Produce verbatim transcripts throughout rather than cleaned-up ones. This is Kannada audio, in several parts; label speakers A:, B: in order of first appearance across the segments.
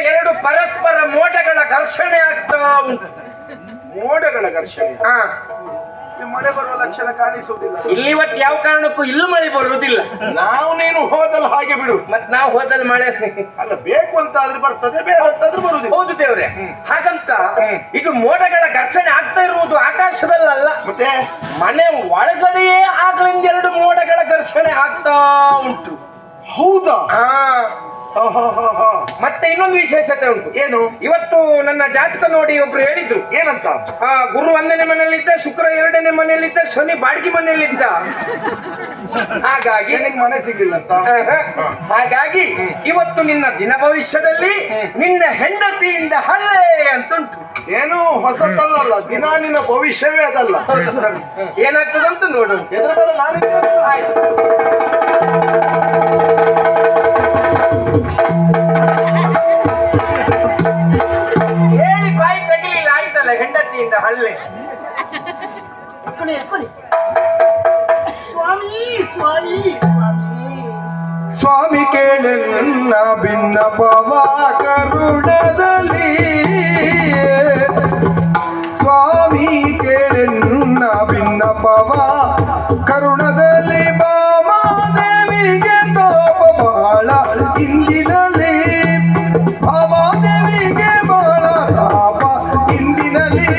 A: ಎರಡು ಪರಸ್ಪರ ಮೋಡಗಳ ಘರ್ಷಣೆ ಆಗ್ತಾ ಉಂಟು.
B: ಮೋಡಗಳ ಘರ್ಷಣೆ?
A: ಹಾ,
B: ಮಳೆ ಬರುವ ಲಕ್ಷಣ ಕಾಣಿಸುವುದಿಲ್ಲ.
A: ಇಲ್ಲಿ ಇವತ್ತು ಯಾವ ಕಾರಣಕ್ಕೂ ಇಲ್ಲೂ ಮಳೆ ಬರುವುದಿಲ್ಲ.
B: ನಾವು ನೀನು ಹೋದಲ್ಲ ಹಾಗೆ ಬಿಡು.
A: ಮತ್ ನಾವು ಹೋದಲ್ಲಿ ಮಳೆ
B: ಅಲ್ಲ, ಬೇಕು ಅಂತ ಆದ್ರೆ ಬರ್ತದೆ, ಬೇಡ ಅಂತಾದ್ರೆ ಬರುವುದಿಲ್ಲ.
A: ಹೌದು ದೇವ್ರೆ. ಹಾಗಂತ ಇದು ಮೋಡಗಳ ಘರ್ಷಣೆ ಆಗ್ತಾ ಇರುವುದು ಆಕಾಶದಲ್ಲಲ್ಲ,
B: ಮತ್ತೆ
A: ಮನೆ ಒಳಗಡೆಯೇ ಆಗ್ಲಿಂದ ಎರಡು ಮೋಡಗಳ ಘರ್ಷಣೆ ಆಗ್ತಾ ಉಂಟು.
B: ಹೌದಾ?
A: ಹಾ,
B: ಹ, ಹ, ಹ, ಹ.
A: ಮತ್ತೆ ಇನ್ನೊಂದು ವಿಶೇಷತೆ ಉಂಟು.
B: ಏನು?
A: ಇವತ್ತು ನನ್ನ ಜಾತಕ ನೋಡಿ ಒಬ್ರು ಹೇಳಿದ್ರು.
B: ಏನಂತ?
A: ಆ ಗುರು ಒಂದನೇ ಮನೆಯಲ್ಲಿದ್ದ, ಶುಕ್ರ ಎರಡನೇ ಮನೆಯಲ್ಲಿದ್ದ, ಶನಿ ಬಾಡಿಗೆ ಮನೆಯಲ್ಲಿದ್ದ. ಹಾಗಾಗಿ
B: ನಿನಗೆ ಮನೆ ಸಿಗ್ಲಿಲ್ಲ ಅಂತ.
A: ಹಾಗಾಗಿ ಇವತ್ತು ನಿನ್ನ ದಿನ ಭವಿಷ್ಯದಲ್ಲಿ ನಿನ್ನ ಹೆಂಡತಿಯಿಂದ ಹಲ್ಲೆ ಅಂತುಂಟು.
B: ಏನು ಹೊಸತಲ್ಲ, ದಿನ ನಿನ್ನ ಭವಿಷ್ಯವೇ ಅದಲ್ಲ.
A: ಏನಾಗ್ತದಂತ ನೋಡು.
B: ಎದುರು ಬೇಡ, ನಾನು
A: ಆಯ್ತು. ಹೇಳಿ ಬಾಯಿ ತಗಲಿಲ್ಲ, ಆಯ್ತಲ್ಲ ಹೆಂಡತಿಯಿಂದ ಹಲ್ಲೆ.
C: ಸ್ವಾಮಿ ಸ್ವಾಮಿ
B: ಸ್ವಾಮಿ ಕೇಳಿ ನನ್ನ ಭಿನ್ನಪವ ಕರುಣದಲ್ಲಿ, ಸ್ವಾಮಿ ಕೇಳಿ ನನ್ನ ಭಿನ್ನಪವ ಕರುಣದಲ್ಲಿ, ಭಾಮಾದೇವಿಗೆ ತಾಪ ಬಹಳ ಇಂದಿನಲ್ಲಿ, ಭಾಮಾದೇವಿಗೆ ಬಹಳ ತಾಪ ಇಂದಿನಲ್ಲಿ.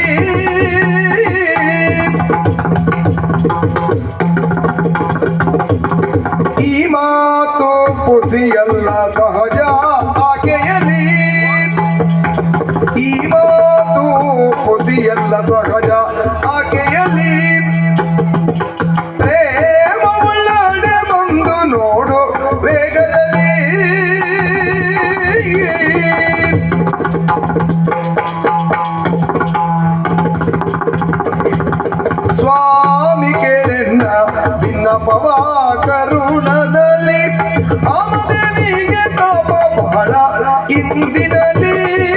B: ಈ ಮಾತು ಪುಸಿಯಲ್ಲ ಸಹಜ ಆಕೆಯಲಿ, ಈ ಮಾತು ಪುಸಿಯಲ್ಲ ಸಹಜ ಆಕೆಯಲಿ, ಪ್ರೇಮ ಉಳ್ಳಾಡೆ ಬಂದು ನೋಡು ವೇಗದಲ್ಲಿ. ಸ್ವಾಮಿ ಕೇಳೆನ್ನ ಭಿನ್ನಪವ ಕರುಣದಲ್ಲಿ, ಭಾಮಾದೇವಿಗೆ ತಾಪ ಬಹಳ ಇಂದಿನಲ್ಲಿ.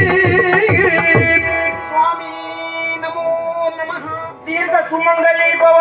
C: ಸ್ವಾಮಿ ನಮೋ ನಮಃ.
A: ದೀರ್ಘ ಸುಮಂಗಲಿ ಭವ.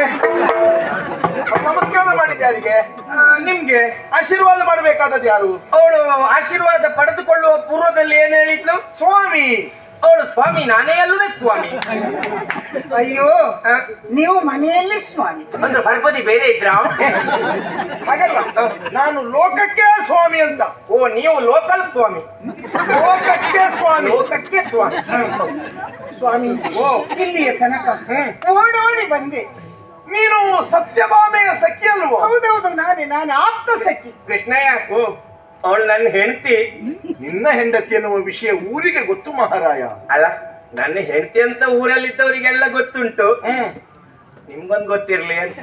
B: ನಮಸ್ಕಾರ ಮಾಡಿದ್ದೆ ಯಾರಿಗೆ?
A: ಆ, ನಿಮ್ಗೆ
B: ಆಶೀರ್ವಾದ ಮಾಡಬೇಕಾದದ್ದು ಯಾರು?
A: ಅವಳು ಆಶೀರ್ವಾದ ಪಡೆದುಕೊಳ್ಳುವ ಪೂರ್ವದಲ್ಲಿ ಏನ್ ಹೇಳಿದ್ಲು?
B: ಸ್ವಾಮಿ.
A: ಅವಳು ಸ್ವಾಮಿ, ನಾನೇ ಅಲ್ಲೂ ಸ್ವಾಮಿ.
C: ಅಯ್ಯೋ, ನೀವು ಮನೆಯಲ್ಲಿ ಸ್ವಾಮಿ
A: ಅಂದ್ರೆ ಬರ್ಬದಿ ಬೇರೆ ಇದ್ರ?
B: ಹಾಗಲ್ಲ, ನಾನು ಲೋಕಕ್ಕೆ ಸ್ವಾಮಿ ಅಂತ.
A: ಓ, ನೀವು ಲೋಕಲ್ ಸ್ವಾಮಿ.
B: ಲೋಕಕ್ಕೆ ಸ್ವಾಮಿ.
A: ಲೋಕಕ್ಕೆ ಸ್ವಾಮಿ.
C: ಸ್ವಾಮಿ.
B: ಓ,
C: ಇಲ್ಲಿಯ ತನಕ ಓಡೋಡಿ ಬಂದೆ.
B: ನೀನು ಸತ್ಯಭಾಮೆಯ ಸಖಿ ಅಲ್ವೋ?
C: ಹೌದೌದು, ನಾನೇ ನಾನು ಆಪ್ತ ಸಖಿ.
A: ಕೃಷ್ಣಯ್ಯ,
B: ಓ,
A: ಅವಳು ನನ್ನ ಹೆಂಡತಿ.
B: ನಿನ್ನ ಹೆಂಡತಿ ಎನ್ನುವ ವಿಷಯ ಊರಿಗೆ ಗೊತ್ತು ಮಹಾರಾಯ.
A: ಅಲ್ಲ, ನನ್ನ ಹೆಂಡತಿ ಅಂತ ಊರಲ್ಲಿದ್ದವರಿಗೆಲ್ಲ ಗೊತ್ತುಂಟು. ನಿಮ್ಗೊಂದು ಗೊತ್ತಿರ್ಲಿ ಅಂತ.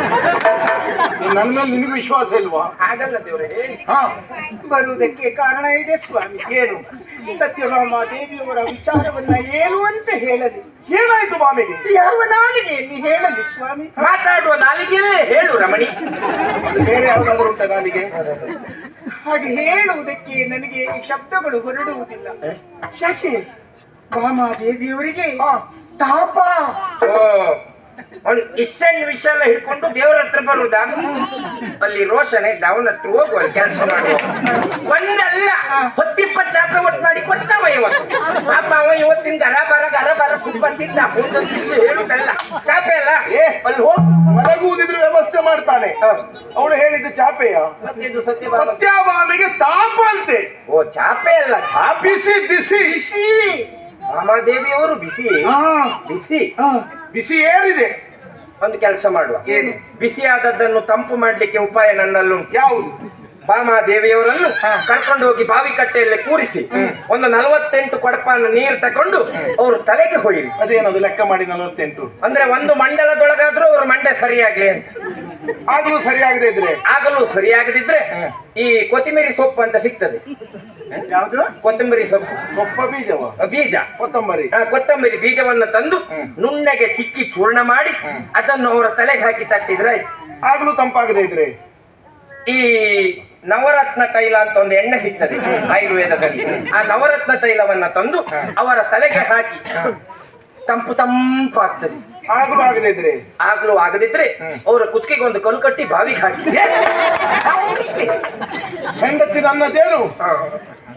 B: ನನ್ನ ಮೇಲೆ ನಿನಗೆ ವಿಶ್ವಾಸ ಇಲ್ವಾ?
A: ಹಾಗಲ್ಲ ದೇವ್ರೆ, ಹೇಳಿ.
B: ಹಾ,
C: ಬರುವುದಕ್ಕೆ ಕಾರಣ ಇದೆ ಸ್ವಾಮಿ.
B: ಏನು?
C: ಸತ್ಯಭಾಮ ದೇವಿಯವರ ವಿಚಾರವನ್ನ ಏನು ಅಂತ ಹೇಳಲಿ?
B: ಏನಾಯ್ತು ಬಾಮೆಗೆ?
C: ಯಾವ ನಾಲಿಗೆಯಲ್ಲಿ ಹೇಳಲಿ ಸ್ವಾಮಿ?
A: ಮಾತಾಡುವ ನಾಲಿಗೆಯಲ್ಲೇ ಹೇಳು ರಮಣಿ.
B: ಬೇರೆ ಯಾವ್ದಾದ್ರು ಉಂಟ ನಾಲಿಗೆ?
C: ಹಾಗೆ ಹೇಳುವುದಕ್ಕೆ ನನಗೆ ಶಬ್ದಗಳು ಹೊರಡುವುದಿಲ್ಲ. ಯಾಕೆ? ಭಾಮಾದೇವಿಯವರಿಗೆ ತಾಪ.
A: ಓ, ಅವ್ನು ಇಷ್ಟನ್ ವಿಷಯ ಎಲ್ಲ ಹಿಡ್ಕೊಂಡು ದೇವ್ರ ಹತ್ರ ಬರುದಾ? ಅಲ್ಲಿ ರೋಷನ್ ಇದ್ದ, ಅವನ ಹತ್ರ ಹೋಗುವ ಕೆಲಸ ಮಾಡುವ. ಒಂದಲ್ಲ ಹೊತ್ತಿಪ್ಪತ್ತು ಚಾಪೆ ಒಟ್ಟು ಮಾಡಿ ಕೊಟ್ಟವ ಇವತ್ತು. ಪಾಪ ಅವ ಇವತ್ತಿನ ಗರ ಬರ ಗರ ಬರ ಸುತ್ತ ಬಂದಿದ್ದ. ಒಂದೊಂದು ವಿಷಯ ಹೇಳುದಲ್ಲ, ಚಾಪೆ ಅಲ್ಲ.
B: ಏ,
A: ಅಲ್ಲಿ ಹೋಗ್
B: ಮಲಗುವುದಿದ್ರೆ ವ್ಯವಸ್ಥೆ ಮಾಡ್ತಾನೆ. ಅವಳು ಹೇಳಿದ್ದು ಚಾಪೆಯ?
A: ಮತ್ತಿದು ಸತ್ಯ
B: ಸತ್ಯಭಾಮೆಗೆ ತಾಪ ಅಂತೆ.
A: ಓ, ಚಾಪೆ ಅಲ್ಲ, ತಾಪ.
B: ಬಿಸಿ ಬಿಸಿ ಬಿಸಿ.
A: ರಾಮಾದೇವಿಯವರು ಬಿಸಿ ಬಿಸಿ
B: ಬಿಸಿ ಏರಿದೆ.
A: ಒಂದು ಕೆಲಸ ಮಾಡುವ.
B: ಏನು?
A: ಬಿಸಿಯಾದದ್ದನ್ನು ತಂಪು ಮಾಡ್ಲಿಕ್ಕೆ ಉಪಾಯ ನನ್ನಲ್ಲುಂಟು.
B: ಯಾವುದು?
A: ಭಾಮಾದೇವಿಯವರನ್ನು ಕರ್ಕೊಂಡು ಹೋಗಿ ಬಾವಿ ಕಟ್ಟೆಯಲ್ಲಿ ಕೂರಿಸಿ ಒಂದು ನಲವತ್ತೆಂಟು ಕೊಡಪಾನ ನೀರು ತಕೊಂಡು ಅವರು ತಲೆಗೆ ಹೋಯಿರಿ.
B: ಅದೇನದು ಲೆಕ್ಕ ಮಾಡಿ ನಲವತ್ತೆಂಟು?
A: ಅಂದ್ರೆ ಒಂದು ಮಂಡಲದೊಳಗಾದ್ರೂ ಅವ್ರ ಮಂಡೆ ಸರಿಯಾಗ್ಲಿ ಅಂತ.
B: ಆಗ್ಲೂ ಸರಿಯಾಗದೆ ಇದ್ರೆ?
A: ಆಗಲೂ ಸರಿಯಾಗದಿದ್ರೆ ಈ ಕೊತ್ತಿಮೀರಿ ಸೊಪ್ಪು ಅಂತ ಸಿಗ್ತದೆ.
B: ಯಾವ್ದು?
A: ಕೊತ್ತಂಬರಿ ಸೊಪ್ಪು.
B: ಸೊಪ್ಪ ಬೀಜವ?
A: ಬೀಜ,
B: ಕೊತ್ತಂಬರಿ.
A: ಕೊತ್ತಂಬರಿ ಬೀಜವನ್ನು ತಂದು ನುಣ್ಣಗೆ ತಿಕ್ಕಿ ಚೂರ್ಣ ಮಾಡಿ ಅದನ್ನು ಅವರ ತಲೆಗೆ ಹಾಕಿ ತಟ್ಟಿದ್ರೆ ಆಯ್ತು.
B: ಆಗ್ಲೂ ತಂಪಾಗದೆ ಇದ್ರೆ?
A: ಈ ನವರತ್ನ ತೈಲ ಅಂತ ಒಂದು ಎಣ್ಣೆ ಸಿಗ್ತದೆ ಆಯುರ್ವೇದದಲ್ಲಿ. ಆ ನವರತ್ನ ತೈಲವನ್ನ ತಂದು ಅವರ ತಲೆಗೆ ಹಾಕಿ ತಂಪು ತಂಪು ಆಗ್ತದೆ.
B: ಆಗ್ಲೂ ಆಗದೆ ಇದ್ರೆ?
A: ಆಗ್ಲೂ ಆಗದಿದ್ರೆ ಅವರ ಕುತ್ತಿಗೆಗೆ ಒಂದು ಕಲ್ಲು ಕಟ್ಟಿ ಬಾವಿಗೆ ಹಾಕಿ
B: ಹೆಂಡತಿ ನನ್ನದೇನು?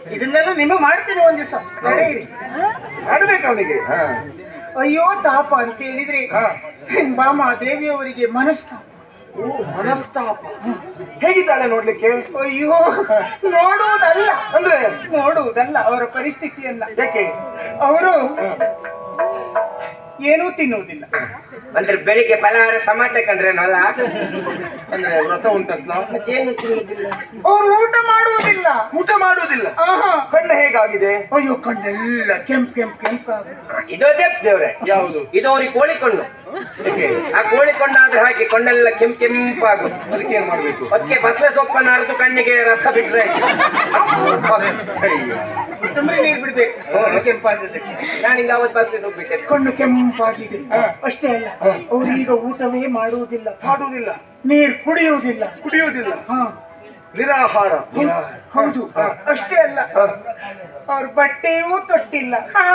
C: ಇದನ್ನೆಲ್ಲ ನಿಮ್ಮ ಮಾಡ್ತೀನಿ ಒಂದ್ ದಿವಸ ನಡೆಯಿರಿ.
B: ಮಾಡ್ಬೇಕು ಅವನಿಗೆ.
C: ಅಯ್ಯೋ ತಾಪ ಅಂತ ಹೇಳಿದ್ರೆ ಬಾಮ ದೇವಿಯವರಿಗೆ ಮನಸ್ತಾಪ.
B: ಓ, ಮನಸ್ತಾಪ. ಹೇಗಿದ್ದಾಳೆ ನೋಡ್ಲಿಕ್ಕೆ?
C: ಅಯ್ಯೋ ನೋಡುವುದಲ್ಲ
B: ಅಂದ್ರೆ
C: ನೋಡುವುದಲ್ಲ ಅವರ ಪರಿಸ್ಥಿತಿಯನ್ನ.
B: ಯಾಕೆ?
C: ಅವರು ಏನೂ ತಿನ್ನುವುದಿಲ್ಲ.
A: ಅಂದ್ರೆ ಬೆಳಿಗ್ಗೆ ಫಲಹಾರ ಸಮಾಟ ಕಂಡ್ರೇನಲ್ಲ,
B: ಅಂದ್ರೆ ವ್ರತ ಉಂಟಂತ
A: ಏನು ತಿನ್ನುವುದಿಲ್ಲ,
C: ಅವರು ಊಟ ಮಾಡುವುದಿಲ್ಲ,
B: ಊಟ ಮಾಡುವುದಿಲ್ಲ.
C: ಆಹಾ.
B: ಕಣ್ಣು ಹೇಗಾಗಿದೆ?
C: ಅಯ್ಯೋ ಕಣ್ಣೆಲ್ಲ ಕೆಂಪ್ ಕೆಂಪ್ ಕೆಂಪಾಗ.
A: ಇದೋದೇ ದೇವ್ರೆ.
B: ಯಾವುದು?
A: ಇದು ಅವ್ರಿಗೆ ಕೋಳಿ ಕೊಂಡು.
B: ಯಾಕೆ?
A: ಆ ಕೋಳಿ ಕೊಂಡಾದ್ರೆ ಹಾಕಿ ಕೊಂಡೆಲ್ಲ ಕೆಂಪ್ ಕೆಂಪಾಗುದು.
B: ಅದಕ್ಕೆ ಏನ್ ಮಾಡ್ಬೇಕು?
A: ಅದಕ್ಕೆ ಬಸಳೆ ಸೊಪ್ಪನ್ನು ಅರೆದು ಕಣ್ಣಿಗೆ ರಸ ಬಿಟ್ರೆ ಆಯ್ತು.
B: ಅಯ್ಯೋ.
C: ತುಂಬಿ ನೀರು ಬಿಡ್ಬೇಕು ಕೆಂಪಾದದಕ್ಕೆ.
A: ನಾನು ಹಿಂಗ ಅವತ್ತು ಬಸಳೆ ಸೊಪ್ಪು ಬಿಟ್ಟೆ.
C: ಕಣ್ಣು ಕೆಂಪಾಗಿದೆ. ಅಷ್ಟೇ ಅಲ್ಲ, ಅವರು ಈಗ ಊಟವೇ ಮಾಡುವುದಿಲ್ಲ,
B: ಮಾಡುವುದಿಲ್ಲ,
C: ನೀರು ಕುಡಿಯುವುದಿಲ್ಲ,
B: ಕುಡಿಯುವುದಿಲ್ಲ,
C: ಹಾ
B: ನಿರಾಹಾರ.
C: ಹೌದು. ಅಷ್ಟೇ ಅಲ್ಲ, ಅವ್ರ ಬಟ್ಟೆಯೂ ತೊಟ್ಟಿಲ್ಲ.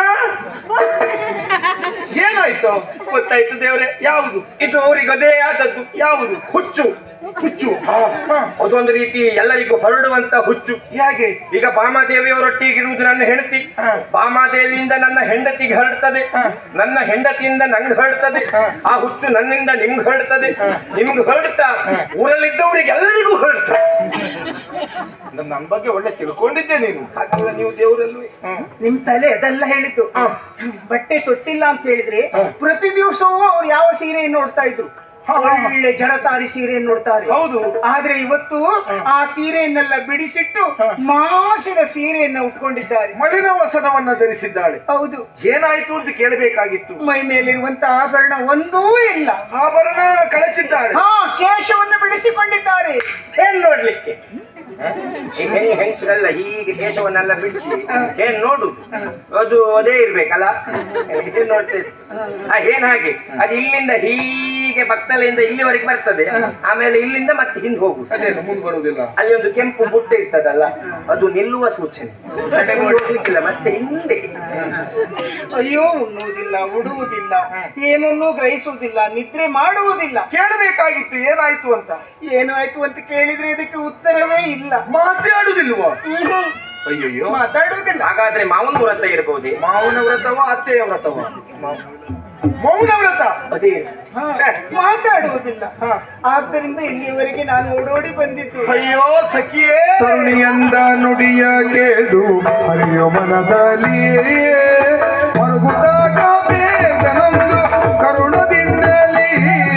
B: ಏನಾಯ್ತು?
A: ಗೊತ್ತಾಯ್ತು ದೇವ್ರೆ.
B: ಯಾವುದು?
A: ಇದು ಅವ್ರಿಗೆ ಅದೇ ಆದದ್ದು.
B: ಯಾವುದು?
A: ಹುಚ್ಚು.
B: ಹುಚ್ಚು.
A: ಅದೊಂದು ರೀತಿ ಎಲ್ಲರಿಗೂ ಹೊರಡುವಂತ ಹುಚ್ಚು.
B: ಹೇಗೆ?
A: ಈಗ ಬಾಮಾದೇವಿಯವರೊಟ್ಟಿಗಿರುವುದು ನನ್ನ ಹೆಂಡತಿ, ಬಾಮಾದೇವಿಯಿಂದ ನನ್ನ ಹೆಂಡತಿಗೆ ಹರಡ್ತದೆ, ನನ್ನ ಹೆಂಡತಿಯಿಂದ ನಂಗೆ ಹರಡ್ತದೆ. ಆ ಹುಚ್ಚು ನನ್ನಿಂದ ನಿಮ್ಗೆ ಹರಡ್ತದೆ, ನಿಮ್ಗೆ ಹರಡ್ತಾ ಊರಲ್ಲಿದ್ದವರಿಗೆ ಎಲ್ಲರಿಗೂ ಹರಡ್ತದೆ.
B: ನನ್ನ ಬಗ್ಗೆ ಒಳ್ಳೆ ತಿಳ್ಕೊಂಡಿದ್ದೆ ನೀನು.
A: ಹಾಗಲ್ಲ ನೀವು ದೇವರಲ್ಲೂ.
C: ನಿಮ್ ತಲೆ ಅದೆಲ್ಲ ಹೇಳಿದ್ದು. ಬಟ್ಟೆ ತೊಟ್ಟಿಲ್ಲ ಅಂತ ಹೇಳಿದ್ರೆ ಪ್ರತಿ ದಿವಸವೂ ಅವ್ರು ಯಾವ ಸೀರೆಯನ್ನು ನೋಡ್ತಾ ಇದ್ರು? ಒಳ್ಳೆ ಜರತಾರಿ ಸೀರೆಯನ್ನು ನೋಡ್ತಾರೆ.
B: ಹೌದು.
C: ಆದ್ರೆ ಇವತ್ತು ಆ ಸೀರೆಯನ್ನೆಲ್ಲ ಬಿಡಿಸಿಟ್ಟು ಮಾಸಿದ ಸೀರೆಯನ್ನ ಉಟ್ಕೊಂಡಿದ್ದಾರೆ.
B: ಮಲಿನ ವಸನವನ್ನ ಧರಿಸಿದ್ದಾಳೆ.
C: ಹೌದು.
B: ಏನಾಯ್ತು ಅಂತ ಕೇಳಬೇಕಾಗಿತ್ತು.
C: ಮೈ ಮೇಲಿರುವಂತ ಆಭರಣ ಒಂದೂ ಇಲ್ಲ.
B: ಆಭರಣ ಕಳಚಿದ್ದಾಳೆ.
C: ಹಾ, ಕೇಶವನ್ನು ಬಿಡಿಸಿಕೊಂಡಿದ್ದಾರೆ.
A: ಏನ್ ನೋಡ್ಲಿಕ್ಕೆ? ಈಗ ಹೆಂಗ್ ಹೆಂಗಸರೆಲ್ಲ ಹೀಗೆ ಕೇಶವನ್ನೆಲ್ಲ ಬಿಡಿಸಿ ಏನ್ ನೋಡು, ಅದು ಅದೇ ಇರ್ಬೇಕಲ್ಲ. ಇದು ನೋಡ್ತಾ ಇತ್ತು. ಆ ಏನ್ ಹಾಗೆ ಅದು ಇಲ್ಲಿಂದ ಹೀಗೆ ಬತ್ತಲೆಯಿಂದ ಇಲ್ಲಿವರೆಗೆ ಬರ್ತದೆ, ಆಮೇಲೆ ಇಲ್ಲಿಂದ ಮತ್ತೆ ಹಿಂದೆ ಹೋಗುದು.
B: ಅದೇನು ಮುಂದೆ ಬರುವುದಿಲ್ಲ.
A: ಅಲ್ಲಿ ಒಂದು ಕೆಂಪು ಬುಟ್ಟ ಇರ್ತದಲ್ಲ, ಅದು ನಿಲ್ಲುವ ಸೂಚನೆ. ಹೋಗ್ಲಿಕ್ಕಿಲ್ಲ, ಮತ್ತೆ ಹಿಂದೆ.
C: ಅಯ್ಯೋ, ಉಣ್ಣುವುದಿಲ್ಲ, ಉಡುವುದಿಲ್ಲ, ಏನನ್ನೂ ಗ್ರಹಿಸುವುದಿಲ್ಲ, ನಿದ್ರೆ ಮಾಡುವುದಿಲ್ಲ.
B: ಕೇಳಬೇಕಾಗಿತ್ತು ಏನಾಯ್ತು ಅಂತ.
C: ಏನು ಆಯ್ತು ಅಂತ ಕೇಳಿದ್ರೆ ಇದಕ್ಕೆ ಉತ್ತರವೇ ಇಲ್ಲ.
B: ಮಾತಾಡುದಿಲ್ವಾ?
C: ಹ್ಮ್.
B: ಅಯ್ಯಯ್ಯೋ,
C: ಮಾತಾಡುವುದಿಲ್ಲ.
A: ಹಾಗಾದ್ರೆ ಮಾವನ ವ್ರತ ಇರಬಹುದೇ?
B: ಮಾವನ ವ್ರತವ ಅತ್ತೆಯ ವ್ರತವ? ಮೌನ ವ್ರತ.
A: ಅದೇ
C: ಹಾ, ಮಾತಾಡುವುದಿಲ್ಲ. ಆದ್ದರಿಂದ ಇಲ್ಲಿಯವರೆಗೆ ನಾನು ಓಡೋಡಿ ಬಂದಿದ್ದು.
B: ಅಯ್ಯೋ ಸಖಿಯೇ,
D: ತರುಣಿಯಂದ ನುಡಿಯ ಕೇಳು ಹರಿಯೋ ಮನದಲ್ಲಿ ಮರುಗುತ್ತಾಗ ಬೇಗನೊಂದು ಕರುಣದಿಂದಲೇ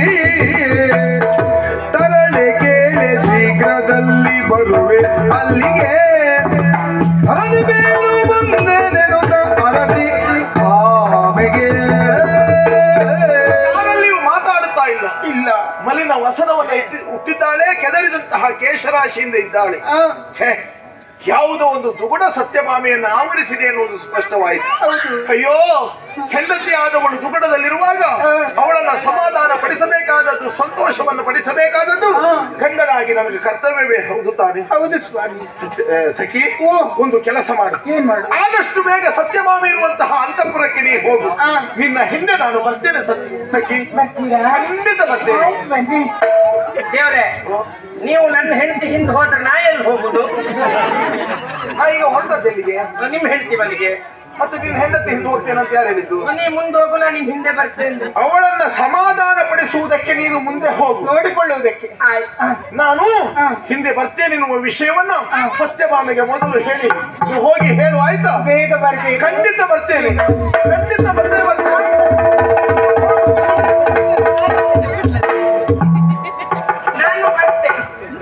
D: ತರಳೆ ಕೇಳೆ ಶೀಘ್ರದಲ್ಲಿ ಬರುವೆ ಅಲ್ಲಿಗೆ ಹರದಿ ಬೇಳು ಬಂದೆ ನೆನುತ ಅರದಿ ಆಮೆಗೆ.
B: ಯಾರಲ್ಲಿಯೂ ಮಾತಾಡುತ್ತಾ ಇಲ್ಲ.
C: ಇಲ್ಲ.
B: ಮಲಿನ ವಸನವನ್ನ ಇಟ್ಟು ಹುಟ್ಟಿದ್ದಾಳೆ, ಕೆದರಿದಂತಹ ಕೇಶರಾಶಿಯಿಂದ ಇದ್ದಾಳೆ.
C: ಆ,
B: ಛೇ, ಯಾವುದೋ ಒಂದು ದುಗುಡ ಸತ್ಯಭಾಮೆಯನ್ನು ಆವರಿಸಿದೆ ಎನ್ನುವುದು ಸ್ಪಷ್ಟವಾಯಿತು.
C: ಹೌದು.
B: ಅಯ್ಯೋ, ಹೆಂಡತಿ ಆದವಳು ದುಗುಡದಲ್ಲಿರುವಾಗ ಅವಳನ್ನ ಸಮಾಧಾನ ಪಡಿಸಬೇಕಾದದ್ದು, ಸಂತೋಷವನ್ನು ಪಡಿಸಬೇಕಾದದ್ದು ಗಂಡನಾಗಿ ನಮಗೆ ಕರ್ತವ್ಯವೇ. ಹೌದು ತಾನೆ?
C: ಹೌದು ಸ್ವಾಮಿ.
B: ಸತ್ಯ- ಆ, ಸಖಿ,
C: ಓ.
B: ಒಂದು ಕೆಲಸ ಮಾಡು.
C: ಏನ್ ಮಾಡು?
B: ಆದಷ್ಟು ಬೇಗ ಸತ್ಯಭಾಮೆ ಇರುವಂತಹ ಅಂತಃಪುರಕ್ಕೆ ನೀ ಹೋಗು.
C: ಆ.
B: ನಿನ್ನ ಹಿಂದೆ ನಾನು ಬರ್ತೇನೆ ಸತ್ಯ- ಸಖಿ.
C: ಬರ್ತೀರಾ?
B: ಖಂಡಿತ ಬರ್ತೇನೆ.
C: ಆಯ್ತು, ಬನ್ನಿ.
A: ದೇವ್ರೆ, ನೀವು ನನ್ನ ಹೆಂಡತಿ ಹಿಂದೆ ಹೋದ್ರೆ ನಾ ಎಲ್ಲಿ ಹೋಗುದು?
B: ನಾ ಈಗ ಹೊರಟದ್ದೆಲ್ಲಿಗೆ?
A: ನಿಮ್ ಹೆಂಡತಿ ಮನೆಗೆ.
B: ಮತ್ತೆ ನಿನ್ನ ಹೆಂಡತಿ ಹಿಂದೆ ಹೋಗ್ತೇನೆ ಅಂತ ಯಾರು ಹೇಳಿದ್ದು?
A: ನೀ ಮುಂದೆ ಹೋಗು, ನಾನು ನಿಮ್ ಹಿಂದೆ ಬರ್ತೇನೆ.
B: ಅವಳನ್ನ ಸಮಾಧಾನ ಪಡಿಸುವುದಕ್ಕೆ ನೀನು ಮುಂದೆ ಹೋಗು.
C: ನೋಡಿಕೊಳ್ಳುವುದಕ್ಕೆ.
A: ಆಯ್ತು.
B: ನಾನು
C: ಆ.
B: ಹಿಂದೆ ಬರ್ತೇನೆ ಎನ್ನುವ ವಿಷಯವನ್ನ ಸತ್ಯಭಾಮೆಗೆ ಮೊದಲು ಹೇಳಿ ನೀವು ಹೋಗಿ ಹೇಳು, ಆಯ್ತಾ?
C: ಬೇಗ ಬರ್ಬೇಕು.
B: ಖಂಡಿತ ಬರ್ತೇನೆ, ಖಂಡಿತ ಬರ್ತೇನೆ ಬರ್ತೇನೆ.
A: ನಾನು ಬರ್ತೇನೆ.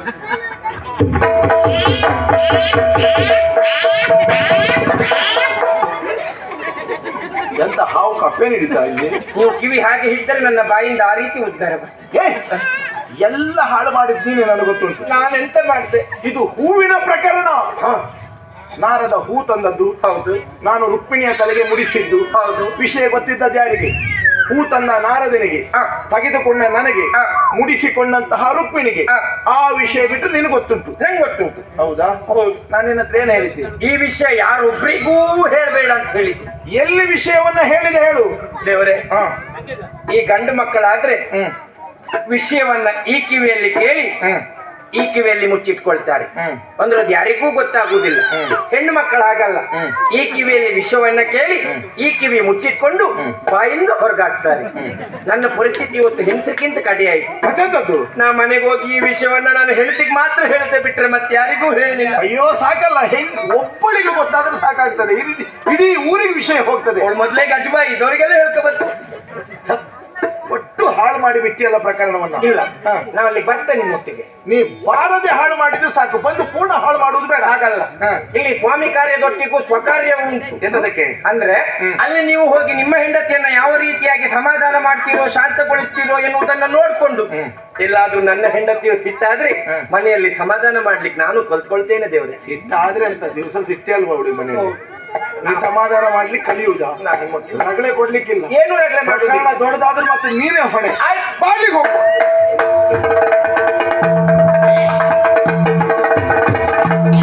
B: ಎಂತ ಹಾವು ಕಪ್ಪೆ ನೀಡಿತಾ ಇಲ್ಲಿ?
A: ನೀವು ಕಿವಿ ಹಾಗೆ ಹಿಡಿದರೆ ನನ್ನ ಬಾಯಿಂದ ಆ ರೀತಿ ಉದ್ಗಾರ ಬರ್ತದೆ.
B: ಏ, ಎಲ್ಲ ಹಾಳು ಮಾಡಿದ್ದೀನಿ ನನಗೆ ಗೊತ್ತುಂಟು.
A: ನಾನೆಂತ ಮಾಡಿದೆ?
B: ಇದು ಹೂವಿನ ಪ್ರಕರಣ.
A: ಹ,
B: ನಾರದ ಹೂ ತಂದದ್ದು,
A: ಹೌದು
B: ನಾನು ರುಕ್ಮಿಣಿಯ ತಲೆಗೆ ಮುಡಿಸಿದ್ದು.
A: ಹೌದು.
B: ವಿಷಯ ಗೊತ್ತಿದ್ದದ್ದು ಯಾರಿಗೆ? ಹೂ ತಂದ ನಾರದನಿಗೆ,
A: ಹ.
B: ತೆಗೆದುಕೊಂಡ ನನಗೆ,
A: ಹ.
B: ಮುಡಿಸಿಕೊಂಡಂತಹ ರುಕ್ಮಿಣಿಗೆ.
A: ಹ.
B: ಆ ವಿಷಯ ಬಿಟ್ಟು ನಿನಗೆ ಗೊತ್ತುಂಟು.
A: ನಂಗೆ ಗೊತ್ತುಂಟು.
B: ಹೌದಾ?
A: ಹೌದು.
B: ನಾನು ನಿನ್ನ ಹತ್ರ ಏನು ಹೇಳಿದ್ದೆ?
A: ಈ ವಿಷಯ ಯಾರೊಬ್ರಿಗೂ ಹೇಳ್ಬೇಡ ಅಂತ ಹೇಳಿದ್ದೆ.
B: ಎಲ್ಲಿ ವಿಷಯವನ್ನ ಹೇಳಿದೆ ಹೇಳು.
A: ದೇವರೇ,
B: ಹ.
A: ಈ ಗಂಡು ಮಕ್ಕಳಾದ್ರೆ
B: ಹ್ಮ್
A: ವಿಷಯವನ್ನ ಈ ಕಿವಿಯಲ್ಲಿ ಕೇಳಿ
B: ಹ್ಮ್
A: ಈ ಕಿವಿಯಲ್ಲಿ ಮುಚ್ಚಿಟ್ಕೊಳ್ತಾರೆ ಅಂದ್ರೆ ಅದು ಯಾರಿಗೂ ಗೊತ್ತಾಗುವುದಿಲ್ಲ. ಹೆಣ್ಣು ಮಕ್ಕಳು ಹಾಗಲ್ಲ, ಈ ಕಿವಿಯಲ್ಲಿ ವಿಷವನ್ನ ಕೇಳಿ ಈ ಕಿವಿ ಮುಚ್ಚಿಟ್ಕೊಂಡು ಬಾಯಿಂದ ಹೊರಗಾಗ್ತಾರೆ. ನನ್ನ ಪರಿಸ್ಥಿತಿ ಇವತ್ತು ಹೆಂಗಸಕ್ಕಿಂತ ಕಡೆ ಆಯ್ತು.
B: ಮತ್ತೆಂತದ್ದು?
A: ನಾ ಮನೆಗೆ ಹೋಗಿ ಈ ವಿಷಯವನ್ನ ನಾನು ಹೆಂಡತಿಗೆ ಮಾತ್ರ ಹೇಳ್ತಾ ಬಿಟ್ರೆ ಮತ್ತೆ ಯಾರಿಗೂ ಹೇಳಲಿಲ್ಲ.
B: ಅಯ್ಯೋ ಸಾಕಲ್ಲ, ಹೆಂಗ್ ಒಬ್ಬಳಿಗೆ ಗೊತ್ತಾದ್ರೆ ಸಾಕಾಗ್ತದೆ, ಈ ರೀತಿ ಇಡೀ ಊರಿಗೆ ವಿಷಯ ಹೋಗ್ತದೆ.
A: ಅವಳು ಮೊದ್ಲೇ ಗಜಬಾ ಇದವರಿಗೆಲ್ಲ ಹೇಳ್ಕೊಬತ್ತು.
B: ಒಟ್ಟು ಹಾಳು ಮಾಡಿ ಬಿಟ್ಟಿಯಲ್ಲ ಪ್ರಕರಣವನ್ನ.
A: ಇಲ್ಲ, ನಾವಲ್ಲಿ ಬರ್ತೇನೆ ನಿಮ್ಮೊಟ್ಟಿಗೆ.
B: ನೀ ಬಾರದೆ ಹಾಳು ಮಾಡಿದ್ರೆ ಸಾಕು, ಬಂದು ಪೂರ್ಣ ಹಾಳು ಮಾಡುವುದು ಬೇಡ.
A: ಹಾಗಲ್ಲ, ಇಲ್ಲಿ ಸ್ವಾಮಿ ಕಾರ್ಯದೊಟ್ಟಿಗೂ ಸ್ವಕಾರ್ಯ ಉಂಟು.
B: ಎಂತದಕ್ಕೆ?
A: ಅಂದ್ರೆ ಅಲ್ಲಿ ನೀವು ಹೋಗಿ ನಿಮ್ಮ ಹೆಂಡತಿಯನ್ನ ಯಾವ ರೀತಿಯಾಗಿ ಸಮಾಧಾನ ಮಾಡ್ತೀರೋ ಶಾಂತಗೊಳಿಸ್ತೀರೋ ಎನ್ನುವುದನ್ನ ನೋಡ್ಕೊಂಡು, ಎಲ್ಲಾದ್ರೂ ನನ್ನ ಹೆಂಡತಿಯು ಸಿಟ್ಟಾದ್ರೆ ಮನೆಯಲ್ಲಿ ಸಮಾಧಾನ ಮಾಡ್ಲಿಕ್ಕೆ ನಾನು ಕಲ್ತ್ಕೊಳ್ತೇನೆ. ದೇವರೇ,
B: ಸಿಟ್ಟಾದ್ರೆ ಅಂತ ದಿವಸ ಸಿಟ್ಟೆ ಅಲ್ವಾ ಹುಡುಗಿ ಮನೆಯಲ್ಲಿ? ನೀ ಸಮಾಧಾನ ಮಾಡ್ಲಿಕ್ಕೆ ಕಲಿಯುವುದಾ? ರಗಳೆ ಕೊಡ್ಲಿಕ್ಕಿಲ್ಲ.
A: ಏನು ರಗಳೆ ಮಾಡುದು?
B: ದೊಡ್ಡದಾದ್ರೆ ಮತ್ತೆ ನೀನೇ ಹೊಣೆ.
A: ಆಯ್ತು,
B: ಬಾಲಿಗೆ ಹೋಗು.